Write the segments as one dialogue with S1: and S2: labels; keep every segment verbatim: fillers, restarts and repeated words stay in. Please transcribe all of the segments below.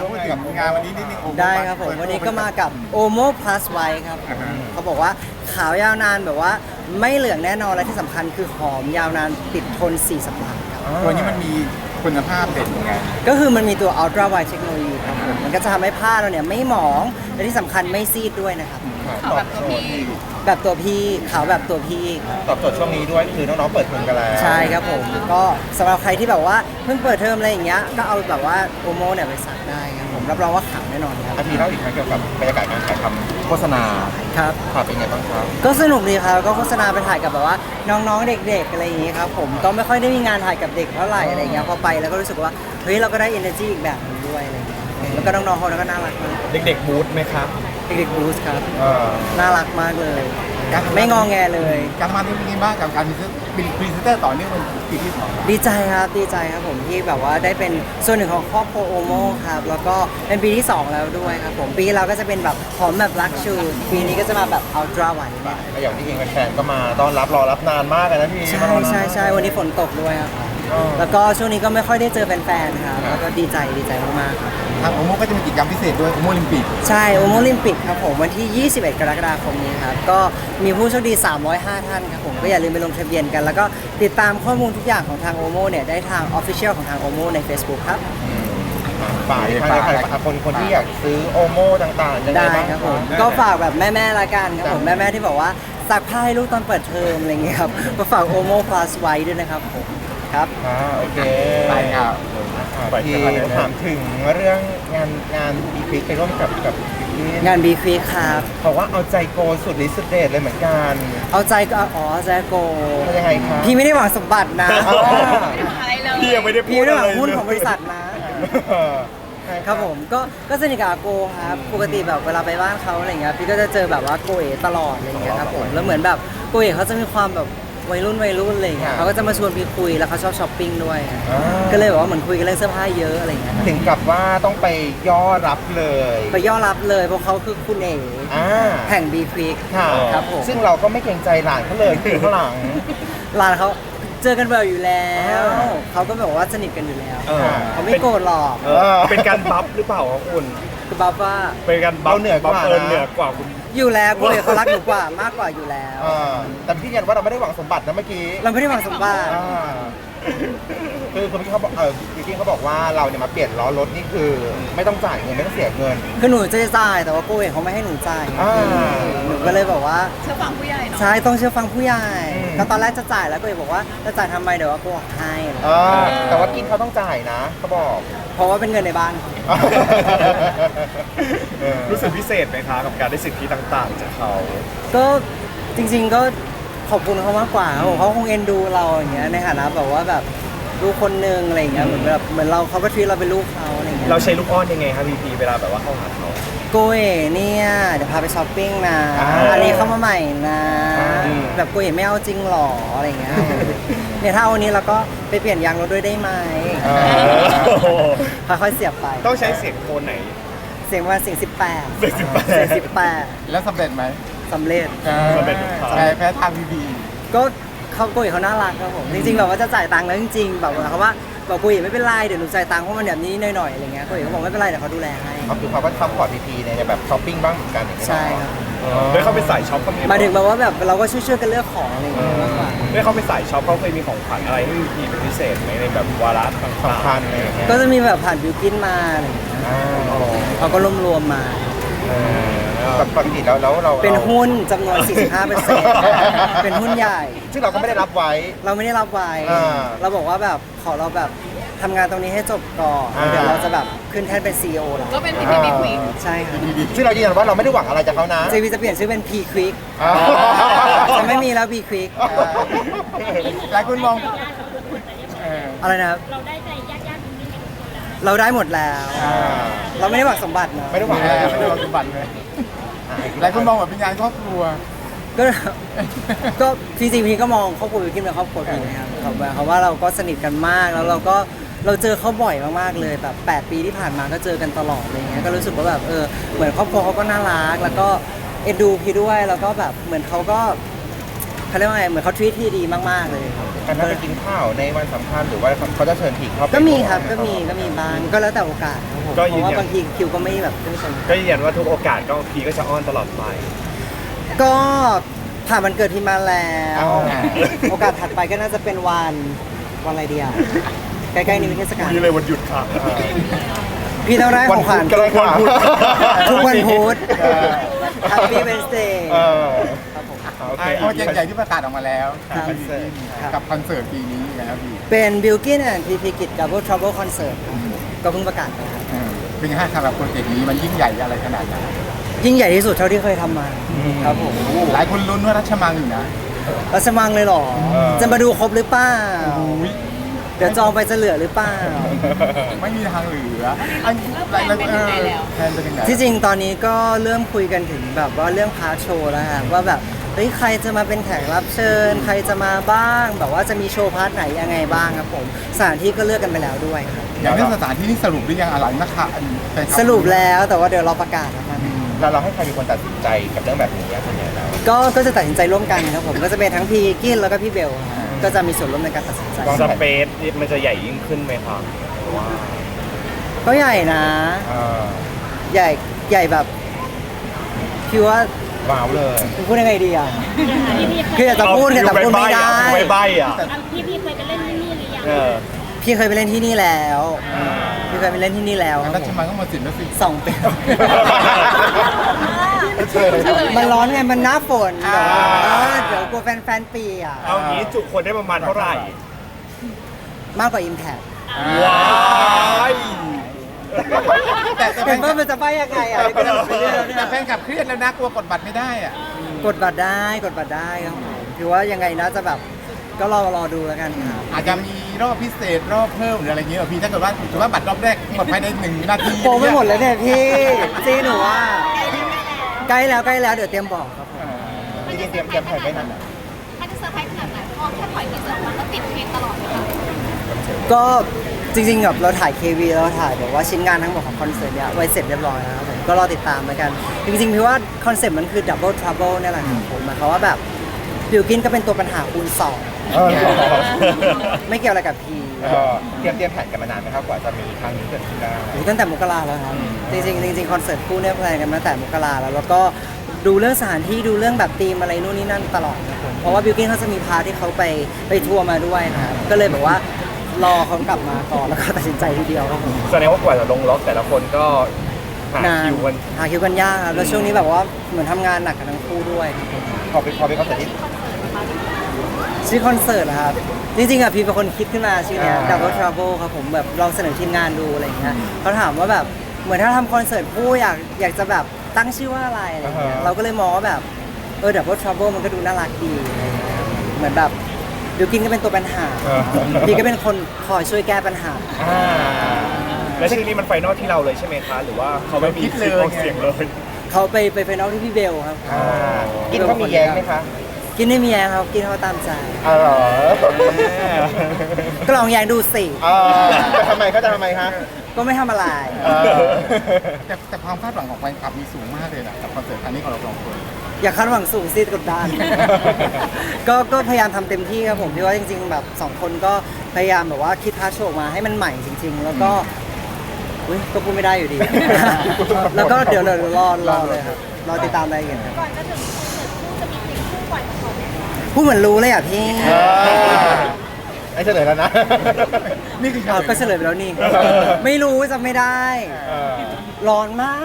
S1: พูดถึงงานวันนี้นิดนึง
S2: ได้ครับผมวันนี้ก็มากับ Omo Plus White ครับเขาบอกว่าขาวยาวนานแบบว่าไม่เหลืองแน่นอนและที่สำคัญคือหอมยาวนานติดทนสี่สัปดาห์ครับ
S1: ตัวนี้มันมีคุณภาพเด่นยังไง
S2: ก็คือมันมีตัว Ultra Wide Technology ครับผมมันก็จะทำให้ผ้าเราเนี่ยไม่หมองและที่สำคัญไม่ซีดด้วยนะครับ
S3: ขาวแบบตัวพี่
S2: แบบตัวพี่ขาวแบบตัวพี่ครับ
S4: ตอบโจทย์ช่วงนี้ด้วยคือน้องๆเปิดเทอมกันแล้ว
S2: ใช่ครับผมก็สำหรับใครที่แบบว่าเพิ่งเปิดเทอมอะไรอย่างเงี้ยก็เอาแบบว่าโอโมเนี่ยไปสักได้ครับผมรับรองว่าขาวแน่นอนครับ
S4: อาทีเล่าอีกครั้งเกี่ยวกับบรรยากาศการถ่ายทำโฆษณา
S2: ครับ
S4: ค่ะเป็นไงบ้างครับ
S2: ก็สนุกดีครับก็โฆษณาไปถ่ายกับแบบว่าน้องๆเด็กๆอะไรอย่างงี้ครับผมก็ไม่ค่อยได้มีงานถ่ายกับเด็กเท่าไหร่อะไรเงี้ยพอไปแล้วก็รู้สึกว่าเฮ้ยเราก็ได้ energy อีกแบบหนึงด้วยอะไรเงี้ยแล้วก็น้องๆเขาก็น่ารักมาก
S4: เด็กๆบูธไหมครับ
S2: เด็กๆบูสครับ
S4: เออ
S2: น่ารักมากเลย ไม่งอแงเลย
S1: การมาที่นี่บ้างกับการเป็นพรีเซนเตอร์ต่อเนื่องเป็นปีที่สอง
S2: ดีใจครับดีใจครับผมที่แบบว่าได้เป็นส่วนหนึ่งของครอบครัวโอโมครับแล้วก็เป็นปีที่สองแล้วด้วยครับผมปีที่เราก็จะเป็นแบบหอมแบบลักชูปีนี้ก็จะมาแบบอัลตร้าไวท์เนี่ย
S4: แล้วอย่างที่เองแฟนๆก็มาต้อนรับรอรับนานมากเลยนะพี่
S2: ใช่ใช่ใช่วันนี้ฝนตกด้วยครับแล้วก็ช่วงนี้ก็ไม่ค่อยได้เจอแฟนๆครับแล้วก็ดีใจดีใจมากๆครับ
S1: ทางโอโมก็จะมีกิจกรรมพิเศษด้วยโอโมลิมปิก
S2: ใช่โอโมลิมปิกครับผมวันที่ ยี่สิบเอ็ด กรกฎาคมนี้ครับก็มีผู้โชคดี สามร้อยห้า ท่านครับผมก็อย่าลืมไปลงทะเบียนกัน แล้วก็ติดตามข้อมูลทุกอย่างของทางโอโมเนี่ยได้ทาง Official ของทางโอโมใน Facebook ครับ
S4: ฝ่ายฝ่ายฝ่ายฝ่ายคนคนที่อยากซื้อโอโม่ต่างๆยังไง
S2: ได้
S4: บ้าง
S2: ครับผมก็ฝากแบบแม่ๆละกันครับผมแม่ๆที่บอกว่าซักผ้าให้ลูกตอนเปิดเทอมอะไรเงี้ยครับก็ฝากโอโม Plus ไว้ด้วยนะครับผมครับ
S4: อ่าโอเค
S1: ไปครับ
S4: อ่าที่ถามถึงเรื่องงานงานอีพิกไปร่วมกับกับพี่
S2: งานบีควีครับ
S4: เขาว่าเอาใจโกสุดฤทธิ์สุดเดชเลยเหมือนกัน
S2: เอาใจก็อ๋อใจโก
S4: เป็นยังไงครับ
S2: พี่ไม่ได้หวังสมบัตินะ
S4: อ๋อ
S3: ไม่ทำอะไรเลย
S4: พี่ยังไม่ได้
S2: พี่
S4: พูด
S2: ไม่ได้
S4: อะ
S2: หวั
S4: ไรง
S2: หุ้นของบริษัทนะ
S4: ใช่
S2: ครับผมก็ก็สนิทกับอาโกครับปกติแบบเวลาไปบ้านเขาอะไรเงี้ยพี่ก็จะเจอแบบว่าโกเอตลอดอะไรเงี้ยครับผมแล้วเหมือนแบบโกเอเขาจะมีความแบบวัยรุ่นวัยรุ่นอะไรเงี้ยเขาก็จะมาชวนพี่คุยแล้วเขาชอบช้อปปิ้งด้วย
S4: อ่า
S2: ก็เลยแบบว่าเหมือนคุยกันเรื่องเสื้อผ้าเยอะอะไรเงี้ย
S4: ถึงกับว่าต้องไปย่อรับเลย
S2: ไปย่อรับเลยเพราะเขาคือคุณเอ๋
S4: อ่า
S2: แห่งบีควิก
S4: ค่ะ
S2: ครับผม
S4: ซึ่งเราก็ไม่เกรงใจหลานเขาเลยที่อยู่ข้างหลัง
S2: ร้านเขาเจอกันบ่อยอยู่แล้ว
S4: อ่า
S2: เขาก็แบบว่าสนิทกันอยู่แล้ว
S5: เออ
S2: เขาไม่โกรธหรอก
S5: เออเป็นการบัฟหรือเปล่าครับคุณ
S2: คือบัฟว่า
S5: เป็นการบัฟ
S4: เราเหนือกว่า
S5: บัฟเอิญ
S4: นะ
S5: เหนือกว่าคุณ
S2: อยู่แล้วกูเลยเขารักหนูกว่ามากกว่าอยู่แล้ว
S4: อ่าแต่พี่ยืนยันว่าเราไม่ได้หวังสมบัตินะเมื่อกี้
S2: เราไม่ได้หวังสมบัติ
S4: อ่าคือคนที่เขาบอกเออพี่กิ้งเขาบอกว่าเราเนี่ยมาเปลี่ยนล้อรถนี่คือ ไม่ต้องจ่ายเงินไม่ต้องเสียเงิน
S2: คือหนูจะจ่ายแต่ว่ากูเองเขาไม่ให้หนูจ่าย
S4: อ่า
S2: หนูก็เลยบอกว่า
S3: เชื่อฟังผู้ใหญ่เนาะ
S2: ใช่ต้องเชื่อฟังผู้ใหญ่
S4: อืม
S2: ก็ตอนแรกจะจ่ายแล้วกูเองบอกว่าจะจ่ายทำไมเดี๋ยวว่ากูออกให้
S4: อ่าแต่ว่ากิ้งเขาต้องจ่ายนะเขาบอก
S2: เพราะว่าเป็นเงินในบ้าน
S4: เออ
S5: รู้สึกพิเศษไหมคะกับการได้สิทธิต่างๆ จากเขา
S2: ก็จริงๆก็ขอบคุณเขามากกว่าครับผมเขาคงเอ็นดูเราอย่างเงี้ยในฐานะแบบว่าแบบลูกคนนึงอะไรอย่างเงี้ยเหมือนแบบเหมือนเราเขาก็ทีเราเป็นลูกเขาอะไรอย่างเงี้ย
S5: เราใช้ลูกอ้อนยังไงครับพีพีเวลาแบบว่าเข้าหาเขา
S2: โกเอ๋เนี่ยเดี๋ยวพาไปช้อปปิ้งนะ
S4: อ่า
S2: อันนี้เข้ามาใหม่นะ
S4: อืม
S2: แบบโกเอ๋ไม่เอาจริงหรออะไรอย่างเงี้ยเนี่ยถ้าเอาอันนี้เราก็ไปเปลี่ยนยางรถด้วยได้ไหม
S4: เออ
S2: ค่อยๆเสียบไป
S5: ต้องใช้เสียงโทนไหน
S2: เสียงว่าเสียงสิบแปด
S5: เสียงสิบแปด
S2: เสียงสิบแปด
S1: แล้วสำเร็จไหม
S2: สำเร็จ
S1: สำเร็จแพ้แพ้ทางพีบี
S2: ก็เขาโกยเขาน่ารักครับผมจริงๆแบบว่าจะจ่ายตังค์แล้วจริงๆแบบว่าเขาว่าบอกโกยไม่เป็นไรเดี๋ยวหนูจ่ายตังค์เพราะมันแบบนี้หน่อยๆอะไรเงี้ยโกยเขาบอกไม่เป็นไรเดี๋ยวเขาดูแลให้
S4: ก็คือเขาก็ซัพพอร์ตพีพีในแบบช้อปปิ้งบ้างเหมือนกันอย่างเงี้ย
S2: ใช่ครับ
S5: ได้เข้าไปสายช็อปเขามี
S2: หมายถึงแบบว่าแบบเราก็ช่วยๆกันเลือกของอะไรเงี้ยมากกว่า
S5: ได้เข้าไปสายช็อปเขาเคยมีของขวัญอะไรให้พีพีเป็นพิเศษไหมในแบบวาระต่าง
S4: สำคัญอะไรอย่างเงี้ย
S2: ก็จะมีแบบผ่านบิวกินมาอะไรเงี้ย
S4: อ่า
S2: เขาก็รวมรวมๆมา
S4: เออปกติแล้วแล้วเรา
S2: เป็นหุ้นจำนวน สี่สิบห้าเปอร์เซ็นต์ เป็นหุ้นใหญ่
S4: ซึ่งเราก็ไม่ได้รับไว้
S2: เราไม่ได้รับไว้
S4: อ่า
S2: เราบอกว่าแบบขอเราแบบทำงานตรงนี้ให้จบก่อน
S4: อ่า
S2: เดี๋ยวเราจะแบบขึ้นแท่นเป็น ซี อี โอ แล้ว
S3: ก็เป็นพีพีบีควีน
S2: ใช่ครับ
S4: ซึ่งเรายืนยันว่าเราไม่ได้หวังอะไรจากเขานะ
S2: เจวีจะเปลี่ยนชื่อเป็น P Quick
S4: อ่า
S2: จะไม่มีแล้ว B Quick
S1: หลายคนมองเออ
S2: อะไรนะครับ เราได้หมดแล้ว
S4: อ่า
S2: เราไม่ได้หวังสมบัตินะ
S4: ไม่ได้หวัง
S1: แพ้
S4: อะไร
S1: ไม่ได้วางสมบัติเลยหลายคนมองแบบเป็นงานครอบครัว
S2: ก็ ก็จริงๆพี่ก็มองครอบครัววิวกินเป็นครอบครัวพี่นะครับเขาแบบเขาว่าเราก็สนิทกันมากแล้วเราก็เราเจอเขาบ่อยมากๆเลยแบบแปดปีที่ผ่านมาก็เจอกันตลอดอะไรเงี้ยก็รู้สึกว่าแบบเออเหมือนครอบครัวเขาก็น่ารักแล้วก็เอ็นดูพี่ด้วยแล้วก็แบบเหมือนเขาก็เขาเรียกว่าไงเหมือนเขาทวีตที่ดีมากๆเลยครับ
S4: การนัดไปกินข้าวในวันสำคัญหรือว่าเขาจะเชิญผีเข้าไป
S2: ก็มีครับก็มีก็มีบ้างก็แล้วแต่โอกาสครับผม
S5: ก็
S2: เพ
S5: ยืน
S2: ราะว่า
S5: ยัน
S2: บางทีคิวก็ไม่แบบไม่ตรง
S5: ก็ยืนยันว่าทุกโอกาสก็พีก็จะอ้อนตลอดไป
S2: ก็ผ่านวันเกิดพี่มาแล้ว โอกาสถัดไปก็น่าจะเป็นวันวันอะไรดีอ่ะใกล้ๆนี้มีเทศกาล
S5: มีเลยวันหยุดค่ะ
S2: พี่ต้องได้ของขวัญ
S4: ก็ได้ค่ะ
S2: ทุกวันพุธ Happy Wednesday
S4: เออ
S2: ครับผม
S4: โอเค
S1: โปรเจกต์ใหญ่ที่ประกาศออกมาแล้ว
S2: ครับ
S1: กับคอนเสิร์ตปีนี้นะครับพี่
S2: เป็น Bilkin and พี พี Kid Double Trouble Concert ครับผมก็เพิ่งประกาศไปครับ
S1: เออเป็นไงฮะสำหรับโปรเจกต์นี้มันยิ่งใหญ่อะไรขนาดไหน
S2: ยิ่งใหญ่ที่สุดเท่าที่เคยทำมาครับผม
S1: หลายคนลุ้นว่ารัชมังอยู่นะ
S2: รัชมังเลยเหรอ จะมาดูครบหรือเปล่า
S1: อุ๊ย
S2: เดี๋ยวจองไปจะเหลือหรือเปล่า
S1: ไม่มีทางเหลืออัน
S3: แล้วแพลนเป็นยังไงแล้ว
S1: แพลนเป็นยังไง
S2: ที่จริงตอนนี้ก็เริ่มคุยกันถึงแบบว่าเรื่องพาร์ทโชว์แล้วค่ะว่าแบบเฮ้ยใครจะมาเป็นแขกรับเชิญ ใครจะมาบ้าง แบบว่าจะมีโชว์พาร์ทไหนยังไงบ้างครับผมสถานที่ก็เลือกกันไปแล้วด้วยครับ
S1: อย่างเรื่องสถานที่นี่สรุปหรือยังอะไรนะคะอันแฟนคบ
S2: สรุปแล้วแต่ว่าเดี๋ยวเราประกาศแล้วกัน
S4: เราเราให้ใครเป็นคนตัดสินใจกับเรื่องแบบนี้ส่วนใหญ่แล้ว
S2: ก็ก็จะตัดสินใจร่วมกันครับผมก็จะเป็นทั้งพีกินแล้วก็พี่เบลครับก็จะมีส่วนร่วมในการตัดสินใจ
S5: สเปซมันจะใหญ่ยิ่งขึ้นไหมครับหรือว่า
S2: ก็ใหญ่นะ
S4: เออ
S2: ใหญ่ใหญ่แบบคิดว่า
S4: ว้าวเลย
S2: พูดยังไงดีอ่ะคืออยากจะพูดแต่พูดไม่ได้
S5: ไม่ใบอ่ะ
S6: พี่พี่เคยไปเล่นที่นี่หรือยัง
S5: เออ
S2: พี่เคยไปเล่นที่นี่แล้วพี่เคยไปเล่นที่นี่แล้วครับ
S1: รั
S2: ผ
S1: ช
S2: ม
S1: มังก็มาสินแล้วสิ
S2: สองปี
S4: เชิญ
S2: มันร้อนไงมันหน้าฝน
S1: อ่า
S2: เออเดี๋ยวกลัวแฟนๆเปียก
S5: เอางี้จุคนได้ประมาณเท่าไหร่
S2: มากกว่า Impact
S5: ว้าย
S1: แต่แต่แฟ
S2: เห็น
S1: น
S2: ว่ามันจะไปยังไงอ่ะนี่ก็ต้องไปเรื่อยแล้วเนี่ย
S1: แต่แฟนกลับเครียดแล้วนะกลัวกดบัตรไม่ได้อ่ะ
S2: กดบัตรได้กดบัตรได้ครับผมถือว่ายังไงนะจะแบบก็รอรอดูแล้วกันครับ
S1: อาจจะมีรอบพิเศษรอบเพิ่มหรืออะไรเงี้ยเหรอพี่ถ้าเกิดว่าถือว่าบัตรรอบแรกหมดภายในหนึ่งนาที
S2: โปรไม่หมดเลยเนี่ยพี่จีหนูว่าใกล้แล้วใกล้แล้วเดี๋ยวเตรียมบอกครับผม
S4: จริงๆเตรียมเตรียมแผนไว้นานอะ
S6: ถ้าจะเซอร์ไพรส์ขนาดไหนเพราะแค่ปล่อยทีเซอร์มันก็ติดเทรนด์ตลอดเลยค่ะ
S2: ก็จริงๆแบบเราถ่าย เค วี เราถ่ายแบบว่าชิ้นงานทั้งหมดของคอนเสิร์ตเนี่ยไว้เสร็จเรียบร้อยแล้วครับผมก็รอติดตามแล้วกัน จริงๆพี่ว่าคอนเซ็ปต์มันคือ Double Trouble นี่แหละครับผมหมายความว่าแบบบิวกินก็เป็นตัวปัญหาคูณสอง
S4: เออ
S2: ไม่เกี่ยวอะไรกับพี
S4: เออเตรียมเตรียมแผนกันมานานไหมครับกว่าจะมีครั้งนี้เกิดขึ้นได้
S2: โอ้โหตั้งแต่มกราแล้วครับจริงๆจริงๆคอนเสิร์ตคู่เนี่ยแพลนกันมาตั้งแต่มกราแล้วแล้วก็ดูเรื่องสถานที่ดูเรื่องแบบธีมอะไรนู่นนี่นั่นตลอดครับผมเพราะว่าบิวกินเขาจะมีพาร์ทที่เขาไปไปทัวร์มาด้วยนะครับก็เลยแบบว่ารอเขากลับมาก่อนแล้วก็ตัดสินใจทีเดียวครับผม
S5: แสดงว่ากว่าจะลงล็อกแต่ละคนก็หาน
S2: าน
S5: คิวกัน
S2: หาคิวกันยากครับแล้วช่วงนี้แบบว่าเหมือนทำงานหนักกันทั้งคู่ด้วยครับผม
S4: พอไปพอไปเขาเสร็จที่
S2: ชื่อคอนเสิร์ตนะครับจริงๆอ่ะพี่เป็นคนคิดขึ้นมาชื่อเนี้ย
S4: อ่า
S2: Double Trouble ครับผมแบบลองเสนอทีมงานดูอะไรอย่างเงี้ยเขาถามว่าแบบเหมือนถ้าทำคอนเสิร์ตคู่อยากอยากจะแบบตั้งชื่อว่าอะไรอะไรอย่างเงี้ยเราก็เลยมองว่าแบบเออ Double Trouble มันก็ดูน่ารักดีอะไรอย่างเงี้ยเหมือนแบบบิวกินก็เป็นตัวปัญหาพี่ก็เป็นคนคอยช่วยแก้ปัญหา
S4: อ่า
S5: และชื่อนี้มันไฟนอลที่เราเลยใช่ไหมคะ หรือว่าเขาไม่มีสิทธิ์ออกเสียงเลย
S2: เขาไปไปไฟนอลที่พี่เบลครับ
S4: อ่ากินเขามีแย้งไหมคะ
S2: กินไม่มีแยงครับกินเขาตามใจ
S4: อ๋อเหรอ
S2: ก็ลองแยงดูสิ
S4: เออจะทำไมเขาจะทำไมคะ
S2: ก็ไม่ทำอะไร
S4: เออ
S1: แต่แต่ความคาดหวังของแฟนคลับมีสูงมากเลยนะกับคอนเสิร์ตครั้งนี้ของเราสองคน
S2: อย่าคาดหวังสูงสิกดดัน ก็ก็พยายามทำเต็มที่ครับผมพี่ว่าจริงๆแบบสองคนก็พยายามแบบว่าคิดพาร์ทโชว์ออกมาให้มันใหม่จริง ๆ แล้วก็อุ้ยก็พูดไม่ได้อยู่ดี แล้วก็เดี๋ยวเดี๋ยวรอรอเลยครับรอติดตามรายละเอียดครับ
S6: ก่อนจะถึงคอนเสิร์ตคู่จะมีเพลงคู่ปล่อยมาก่อนไหมคะ
S2: พูดเหมือนรู้เลยอ่ะพี่
S4: เออไอ้เฉลยแล้วนะ
S1: นี่คือ
S2: อ้าวก็เฉลยไปแล้วนี่ ไม่รู้จำไม่ได้
S4: เออ
S2: ร้อนมาก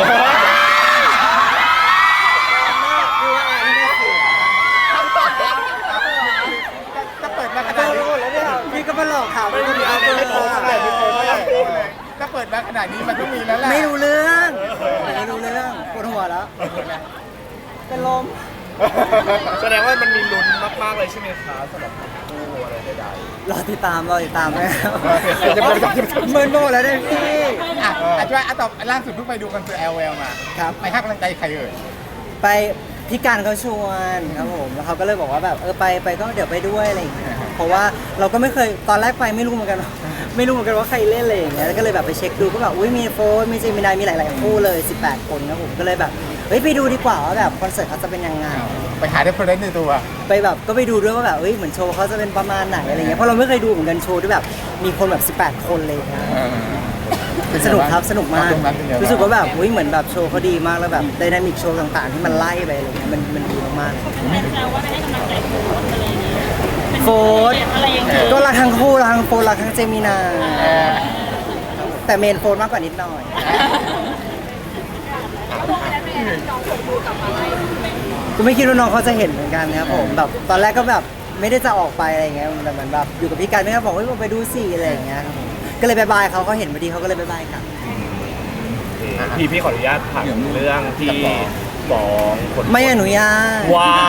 S1: ถ้าเปิดมาข
S2: เจ
S1: นาด
S2: อ
S1: นี้
S2: หมดแล้วเนี่ยพี่ก็มาหลอกข่าวไม่รู้เรื่อง
S4: ไม่โกงเท่าไหร่ไม่โกงเท่าไหร่
S1: ถ้าเปิดมาขนาดนี้มันต้องมีแล้วแหละ
S2: ไม่รู้เรื่องไม่รู้เรื่องปวดหัวแล้ว เป็นลม
S5: แสดงว่ามันมีลุ้นมากๆเลยใช่ไหมคะสำหรับคู่อะไรใด
S2: รอติดตามรอติดตามนะครับ
S4: จะบอกจะบอก
S2: เมินโบแล้วเนี่ยพี่
S1: อ่ะอาจจะอ่ะต่อล่าสุดเพิ่งไปดูคอนเสิร์ต แอล แอล มา
S2: ครับ
S1: ไปให้กำลังใจใครเอ่ย
S2: ไปพี่การเขาชวนครับผมแล้วเขาก็เลยบอกว่าแบบเออไปไปก็เดี๋ยวไปด้วยอะไรอย่างเงี้ยเพราะว่าเราก็ไม่เคยตอนแรกไปไม่รู้เหมือนกันว่าไม่รู้เหมือนกันว่าใครเล่นอะไรอย่างเงี้ยแล้วก็เลยแบบไปเช็คดูก็แบบอุ้ยมีโฟนมีเจมินายมีหลายๆคู่เลยสิบแปดคนครับผมก็เลยแบบเฮ้ยไปดูดีกว่าว่าแบบคอนเสิร์ตเขาจะเป็นยังไง
S1: ไปหาเรฟเฟอเรนซ์ในตัว
S2: ไปแบบก็ไปดูด้วยว่าแบบเอ้ยเหมือนโชว์เขาจะเป็นประมาณไหนอะไรเงี้ยเพราะเราไม่เคยดูเหมือนกันโชว์ที่แบบมีคนแบบสิบแปดคนเลยนะ สนุกครับสนุกมาก
S1: ตรงนั้นเป็นไงบ้าง
S2: รู้สึกว่าแบบอุ้ยเหมือนแบบโชว์เขาดีมากแล้วแบบไดนามิกโชว์ต่างๆที่มันไล่ไปอะไรเงี้ยมันมันดีมากๆโฟร์ก็รักทั้งคู่รักทั้งโฟร์รักทั้งเจมินาแต่เมนโฟร์มากกว่านิดหน่อยกูไม่คิดว่าน้องเขาจะเห็นเหมือนกันนะครับผมแบบตอนแรกก็แบบไม่ได้จะออกไปอะไรเงี้ยแต่เหมือนแบบอยู่กับพี่กันไม่ก็บอกว่าไปดูสิอะไรอย่างเงี้ยครับผมก็เลยบายบายเขาเขาเห็นพอดีเขาก็เลยบายบายกัน
S5: พี่พี่ขออนุญาตถามเรื่องที่ฟ้องคน
S2: ไม่อนุญาต
S5: ว้าย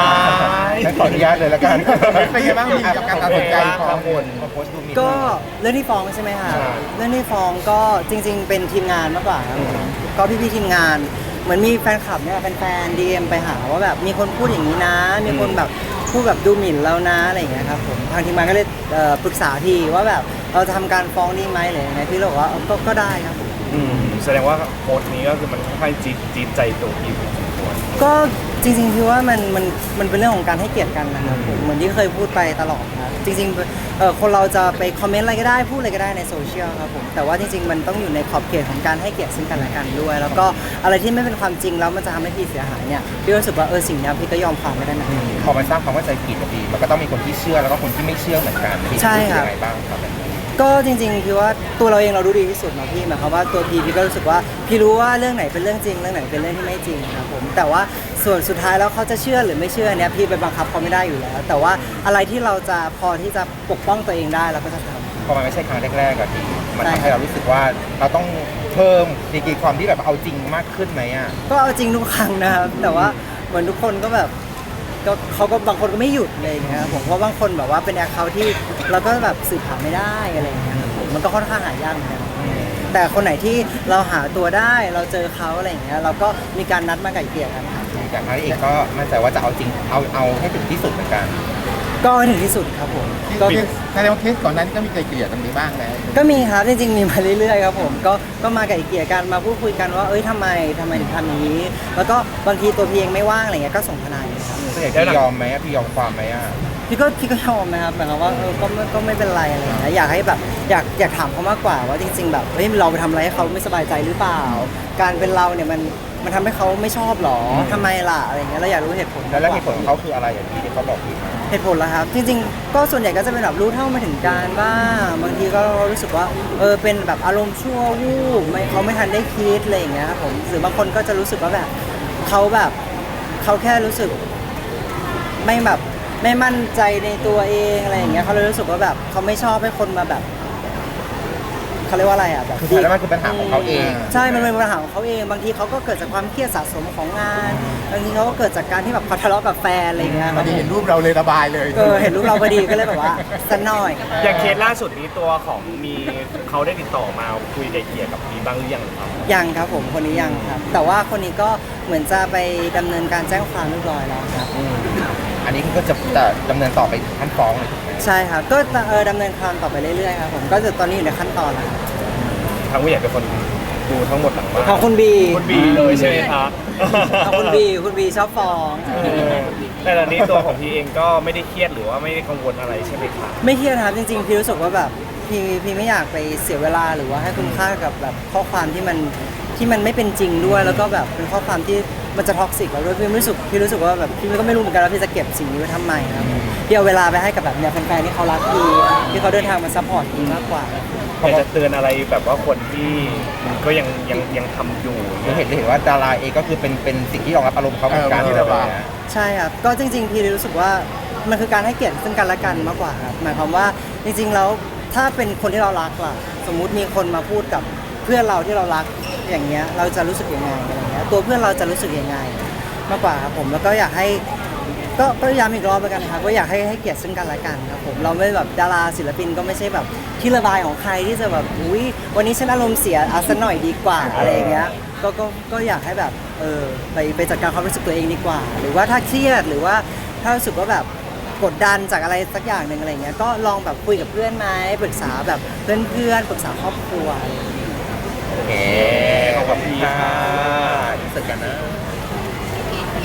S4: งั้นขออนุญาตเลยละกัน
S1: เป็นไงบ้างมีกับการตัดสินใจของ
S4: กังวลเขาโพสต์ดูมี
S2: ก็เรื่องที่ฟ้องใช่ไหมคะ
S4: ใช่
S2: เรื่องที่ฟ้องก็จริง ๆ เป็นทีมงานมากกว่าครับผมก็พี่ๆทีมงาน เหมือนมีแฟนคลับเนี่ยแฟนๆดีเอ็มไปหาว่าแบบมีคนพูดอย่างนี้นะ มีคนแบบพูดแบบดูหมิ่นเรานะอะไรอย่างเงี้ยครับผมทางทีมงานก็เลยเอ่อปรึกษาทีว่าแบบเราจะทำการฟ้องดีไหมหรือยังไงพี่เราบอกว่าเออก็ก็ได้ครับผม
S5: อืมแสดงว่าโพสต์นี้ก็คือมันค่อนข้างจี๊ดจี๊ดใจตัวพี่พอสมควร
S2: ก็จริงๆพี่ว่ามันมันมันเป็นเรื่องของการให้เกียรติกันนะครับผมเหมือนที่เคยพูดไปตลอดครับจริงๆเอ่อคนเราจะไปคอมเมนต์อะไรก็ได้พูดอะไรก็ได้ในโซเชียลครับผมแต่ว่าจริงๆมันต้องอยู่ในขอบเขตของการให้เกียรติซึ่งกันและกันด้วย แล้วก็อะไรที่ไม่เป็นความจริงแล้วมันจะทำให้พี่เสียหายเนี่ยพี่รู้สึกว่าเออสิ่งนี้พี่ก็ยอมความไม่ได้นะ
S4: พอมันสร้างความเข้าใจผิดอะพี่มันก็ต้องมีคนที่เชื่อแล้วก็คนที่ไม่เชื่อเหมือนกันพี่
S2: ใช่ครับ
S4: ยังไงบ้างครับแบบนี้
S2: ก็จริงๆพี่ว่าตัวเราเองเรารู้ดีที่สุดเนาะพี่หมายความว่าตัวพี่พี่ก็รู้สึกว่าพี่รู้ว่าเรื่องไหนเป็นเรื่องจริงเรื่องไหนเป็นเรื่องที่ไม่จริงครับผมแต่ว่าส่วนสุดท้ายแล้วเขาจะเชื่อหรือไม่เชื่อเนี่ยพี่ไปบังคับเขาไม่ได้อยู่แล้ว แต่ว่าอะไรที่เราจะพอที่จะปกป้องตัวเองได้เราก็จะทำ
S4: พอมันไม่ใช่ครั้งแรกๆอะพี่มัน
S2: ใช่
S4: ทำให้เรารู้สึกว่าเราต้องเพิ่มดีกรีความที่แบบเอาจริงมากขึ้นไหมอะ
S2: ก็เอาจริงทุกครั้งนะครับแต่ว่าเหมือนทุกคนก็แบบก็เขาก็บางคนก็ไม่หยุดเลยอย่างเงี้ยครับผมเพราะบางคนแบบว่าเป็นแอคเคาท์ที่เราก็แบบสืบหาไม่ได้อะไรอย่างเงี้ยครับผมมันก็ค่อนข้างหายากเหมือนกันแต่คนไหนที่เราหาตัวได้เราเจอเขาอะไรอย่างเงี้ยเราก็มีการนัดมาไก่เกลี่ยกันครับ
S4: อย่างครั้งนี้เองก็มั่นใจว่าจะเอาจริงเอาเอาให้ถึงที่สุดเหมือนกัน
S2: ก็ให้ถึงที่สุดครับผมก็
S1: เคสแสดงว่าเคสก่อนนั้นก็มีไกลเกลี่ยตรงนี้บ้างแล้ว
S2: ก็มีครับจริงๆมีมาเรื่อยๆครับผมก็ก็มาไก่เกลี่ยกันมาพูดคุยกันว่าเอ้ยทำไมทำไมถึงทำอย่างนี้ แล้วก็บางทีตัวพี่เองไม่ว่างอะไรเงี้ยก็ส่งทนายเลยครับ
S4: ส่วนใหญ่พี่ยอมไหมอะพี่ยอมความไหมอะ
S2: พี่ก็พี่ก็ยอมนะครับหมายความว่าเออก็ไม่ก็ไม่เป็นไรอะไรอย่างเงี้ยอยากให้แบบอยากอยากถามเขามากกว่าว่าจริง ๆ แบบเฮ้ยเราไปทำอะไรให้เขาไม่สบายใจหรือเปล่า การเป็นเราเนี่ยมันมันทำให้เขาไม่ชอบหรอทำไมล่ะอะไรอย่างเงี้ยเราอยากรู้เหตุผล
S4: แล้วแล้วเหตุผลของเขาคืออะไรอย่างที่ที่เขาบอกพี่มา
S2: เหตุผลละครับ จริงๆ ก็ส่วนใหญ่ก็จะเป็นแบบรู้เท่าไม่ถึงการบ้างบางทีก็รู้สึกว่าเออเป็นแบบอารมณ์ชั่ววูบไม่เขาไม่ทันได้คิดอะไรอย่างเงี้ยครับผมหรือบางคนก็จะรู้สึกว่าแบบเขาแบบเขาแค่รู้สึกไม่แบบไม่มั่นใจในตัวเองอะไรอย่างเงี้ยเขาเลยรู้สึกว่าแบบเขาไม่ชอบให้คนมาแบบเขาเรียกว่าอะไรอ่ะแบบ
S4: คือแล้วมันคือปัญหาของเขาเอง
S2: ใช่มันเป็นปัญหาของเขาเองบางทีเขาก็เกิดจากความเครียดสะสมของงานบางทีเขาก็เกิดจากการที่แบบเขาทะเลาะกับแฟนอะไรอย่างเงี้ยค
S1: พ
S2: รั
S1: อบ ดี
S2: ผม
S1: เห็นรูปเราเลยระบายเลย
S2: เออเห็นรูปเราพอดีก็เลยแบบว่าสักหน่อย
S5: อย่างเคสล่าสุดนี้ตัวของมีเขาได้ติดต่อมาคุยไกลเกลี่ยกับมีบ้างหรือยังครับ
S2: ยังครับผมคนนี้ยังครับ แต่ว่าคนนี้ก็เหมือนจะไปดำเนินการแจ้งความเรียบร้อยแล้วครับ
S4: อืมอันนี้ก็จะจะดำเนินต่อไปถึงขั้นฟ้องเลยถูกไหม
S2: ใช่ครับก็เออดำเนินการต่อไปเรื่อยๆครับผมก็จะตอนนี้อยู่ในขั้นตอนแล้วครับ
S5: ทางผู้ใหญ่เป็นคนดูทั้งหมดหลังบ้าน
S2: ของคุณบี
S5: คุณบีเลยใช่ไหมครับ
S2: ของคุณบีคุณบีชอบฟ้อง
S5: เออแต่ตอนนี้ตัวของพี่เองก็ไม่ได้เครียดหรือว่าไม่ได้กังวลอะไรใช่ไหมครับ
S2: ไม่เครียดครับจริงๆพี่รู้สึกว่าแบบพี่พี่ไม่อยากไปเสียเวลาหรือว่าให้คุณค่ากับแบบข้อความที่มันที่มันไม่เป็นจริงด้วย แล้วก็แบบเป็นข้อความที่มันจะท็อกซิกเราด้วยพี่รู้สึกพี่รู้สึกว่าแบบพี่ก็ไม่รู้เหมือนกันว่าพี่จะเก็บสิ่งนี้ไว้ทำไมครับพี่เอาเวลาไปให้กับแบบเนี่ยแฟนๆที่เขารักพี่ที่เขาเดินทางมาซัพพอร์ตพี่มากกว่า
S5: อยากจะเตือนอะไรแบบว่าคนที่ก็ยังยังยังทำอยู่
S4: หรือเห็นหรือเห็นว่าดาราเองก็คือเป็นเป็นสิ่งที่รองรับอารมณ์เขาเหมือนกัน
S1: เออที่ระบาย
S4: นะ
S2: ใช่ครับก็จริงๆพี่รู้สึกว่ามันคือการให้เกียรติซึ่งกันและกันมากกว่าครับหมายความว่าจริงๆแล้วถ้าเป็นคนที่เรารักล่ะสมมุติมีคนมาพูดกับเพื่อนเราที่เรารักอย่างเงี้ยเราจะรู้สึกยังไงอะไรเงี้ยตัวเพื่อนเราจะรู้สึกยังไงมากกว่าครับผมแล้วก็อยากให้ก็ก็ย้ำอีกรอบแล้วกันนะครับว่าอยากให้ให้เกียรติซึ่งกันและกันครับผมเราไม่แบบดาราศิลปินก็ไม่ใช่แบบที่ระบายของใครที่จะแบบอุ้ยวันนี้ฉันอารมณ์เสียเอาซะหน่อยดีกว่าอะไรอย่างเงี้ยก็ก็ก็อยากให้แบบเออไปไปจัดการความรู้สึกตัวเองดีกว่า หรือว่าถ้าเครียดหรือว่าถ้ารู้สึกว่าแบบกดดันจากอะไรสักอย่างหนึ่งอะไรเงี้ยก็ลองแบบคุยกับเพื่อนไหมปรึกษาแบบเพื่อนๆปรึกษาครอบครัวอะไรอย่างเงี้ย
S4: โอเคขอบคุณค่ะรู้สึกกันนะ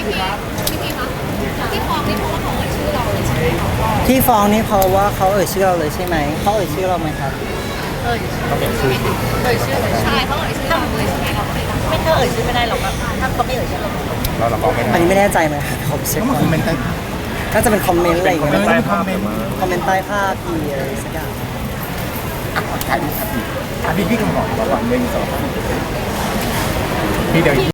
S6: พี่พี่คะที่ฟ้องนี่เพราะว่าเขาเอ่ยชื่อเราเลยใช่ไหมคะ
S2: ที่ฟ้องนี่เพราะว่าเขาเอ่ยชื่อเราเลยใช่ไหมเขาเอ่ยชื่อเราไหมครับ
S3: เอ่ยเอ่ยชื่อเอ่ยชื่อ
S6: ใช่เขาเอ่ยชื่อเราเลยใช่ไหมเราไม่ได้
S3: ไม่ถ้าเอ่ยชื่อไม่ได้หรอกครับถ้าเขาไม่เอ่ยชื่อเรา
S4: เราเราบอกไม่
S2: อัน
S4: ได้
S2: นี้ไม่แน่ใจไหมครับผมเช็ค
S1: ก็มา
S2: ก่อ
S1: คอมเมนต์กัน
S2: น่าจะเป็นคอมเมนต์อะไรอย่าง
S1: เอ
S2: เงี้
S1: อย มาคอมเมนต์
S2: คอมเมนต์ใต้ภาพพี่อะไรสักอย่าง
S1: อ่ะถ่ายรูปครับพี่อ่ะพี่พี่ก็บอกบอกว่าหนึ่งสองสามพี่เดี๋ยว